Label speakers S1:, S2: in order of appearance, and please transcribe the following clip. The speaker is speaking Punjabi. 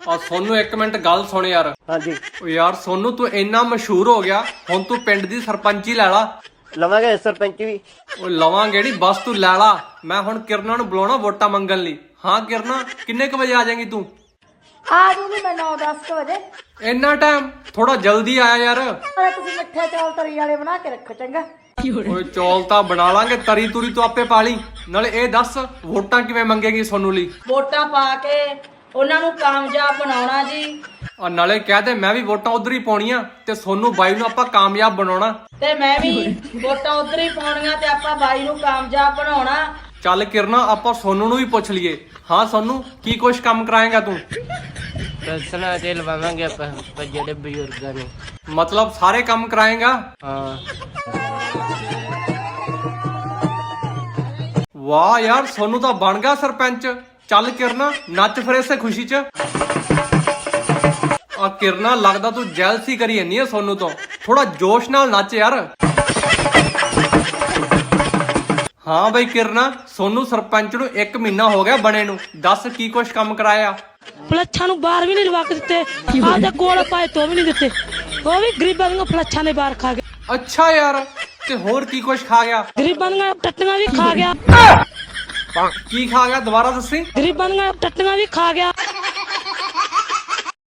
S1: ਆ ਸੋਨੂੰ ਇੱਕ ਮਿੰਟ ਗੱਲ ਸੁਣ ਯਾਰ।
S2: ਹਾਂਜੀ
S1: ਓ ਯਾਰ ਸੋਨੂੰ ਤੂੰ ਇੰਨਾ ਮਸ਼ਹੂਰ ਹੋ ਗਿਆ, ਹੁਣ ਤੂੰ ਪਿੰਡ ਦੀ ਸਰਪੰਚੀ ਲੈ ਲਾ।
S2: ਲਵਾਂਗੇ ਸਰਪੰਚ ਵੀ।
S1: ਓ ਲਵਾਂਗੇ ਨੀ, ਬਸ ਤੂੰ ਲੈ ਲਾ। ਮੈਂ ਹੁਣ ਕਿਰਨਾ ਨੂੰ ਬੁਲਾਉਣਾ ਵੋਟਾਂ ਮੰਗਣ ਲਈ। ਹਾਂ ਕਿਰਨਾ, ਕਿੰਨੇ ਕੁ ਵਜੇ ਆ ਜਾਏਂਗੀ ਤੂੰ?
S3: ਆ ਜੂਗੀ ਮੈਂ 9-10 ਵਜੇ।
S1: ਇੰਨਾ ਟਾਈਮ? ਥੋੜਾ ਜਲਦੀ ਆਇਆ ਯਾਰ।
S3: ਅਰੇ ਤੁਸੀਂ ਮਿੱਠੇ ਚੌਲ ਤਰੀ ਵਾਲੇ ਬਣਾ ਕੇ ਰੱਖੋ ਚੰਗਾ।
S1: ਓਏ ਚੌਲ ਤਾਂ ਬਣਾ ਲਾਂਗੇ, ਤਰੀ ਤੁਰੀ ਤੂੰ ਆਪੇ ਪਾ ਲਈ। ਨਾਲੇ ਇਹ ਦੱਸ ਵੋਟਾਂ ਕਿਵੇਂ ਮੰਗੇਗੀ ਸੋਨੂੰ ਲਈ?
S4: ਵੋਟਾਂ ਪਾ ਕੇ ਉਹਨਾਂ ਨੂੰ ਕਾਮਯਾਬ ਬਣਾਉਣਾ ਜੀ।
S1: ਆ ਨਾਲੇ ਕਹਿ ਦੇ ਮੈਂ ਵੀ ਵੋਟਾਂ ਉਧਰ ਹੀ ਪਾਉਣੀਆਂ ਤੇ ਸੋਨੂੰ ਬਾਈ ਨੂੰ ਆਪਾਂ ਕਾਮਯਾਬ ਬਣਾਉਣਾ।
S4: ਤੇ ਮੈਂ ਵੀ ਵੋਟਾਂ ਉਧਰ ਹੀ ਪਾਉਣੀਆਂ ਤੇ ਆਪਾਂ ਬਾਈ ਨੂੰ ਕਾਮਯਾਬ ਬਣਾਉਣਾ।
S1: ਚੱਲ ਕਿਰਨਾ ਆਪਾਂ ਸੋਨੂੰ ਨੂੰ ਵੀ ਪੁੱਛ ਲਈਏ। ਹਾਂ ਸੋਨੂੰ, ਕੀ ਕੁਛ ਕੰਮ ਕਰਾਏਗਾ ਤੂੰ?
S2: ਪੈਨਸ਼ਨਾਂ ਤੇ ਲਵਾਵਾਂਗੇ ਆਪਾਂ ਜਿਹੜੇ ਬਜ਼ੁਰਗਾਂ ਨੂੰ।
S1: ਮਤਲਬ ਸਾਰੇ ਕੰਮ ਕਰਾਏਗਾ?
S2: ਹਾਂ
S1: ਵਾਹ ਯਾਰ, ਸੋਨੂੰ ਤਾਂ ਬਣ ਗਿਆ ਸਰਪੰਚ। ਚੱਲ ਕਿਰਨਾ, ਨੱਚ ਫਿਰ ਇਸੇ ਖੁਸ਼ੀ 'ਚ। ਆ ਕਿਰਨਾ, ਲੱਗਦਾ ਤੂੰ ਜੈਲਸੀ ਕਰੀ ਜਾਂਦੀ ਹੈ ਸੋਨੂੰ ਤੋਂ। ਥੋੜਾ ਜੋਸ਼ ਨਾਲ ਨੱਚ ਯਾਰ। ਹਾਂ ਬਈ ਕਿਰਨਾ, ਸੋਨੂੰ ਸਰਪੰਚ ਨੂੰ 1 ਮਹੀਨਾ ਹੋ ਗਿਆ ਬਣੇ ਨੂੰ। ਦੱਸ ਕੀ ਕੁਛ ਕੰਮ ਕਰਾਇਆ?
S5: ਫਲੱਛਾਂ ਨੂੰ ਬਾਹਰ ਵੀ ਨਹੀਂ ਲਵਾ ਕੇ ਦਿੱਤੇ, ਆਪਦੇ ਕੋਲ ਪਾਏ ਤੋਂ ਵੀ ਨਹੀਂ ਦਿੱਤੇ। ਉਹ ਵੀ ਗਰੀਬਾਂ ਦੀਆਂ ਫਲੱਛਾਂ ਦੇ ਬਾਹਰ ਖਾ ਗਿਆ।
S1: ਅੱਛਾ ਯਾਰ, ਤੇ ਹੋਰ ਕੀ ਕੁਛ ਖਾ ਗਿਆ?
S5: ਗਰੀਬਾਂ ਦੀਆਂ ਟੱਟੀਆਂ ਵੀ ਖਾ ਗਿਆ।
S1: ਕੀ ਖਾ ਗਿਆ? ਦੁਬਾਰਾ ਦੱਸੀ।
S5: ਗਰੀਬਾਂ ਦੀਆਂ ਟੱਟੀਆਂ ਵੀ ਖਾ ਗਿਆ।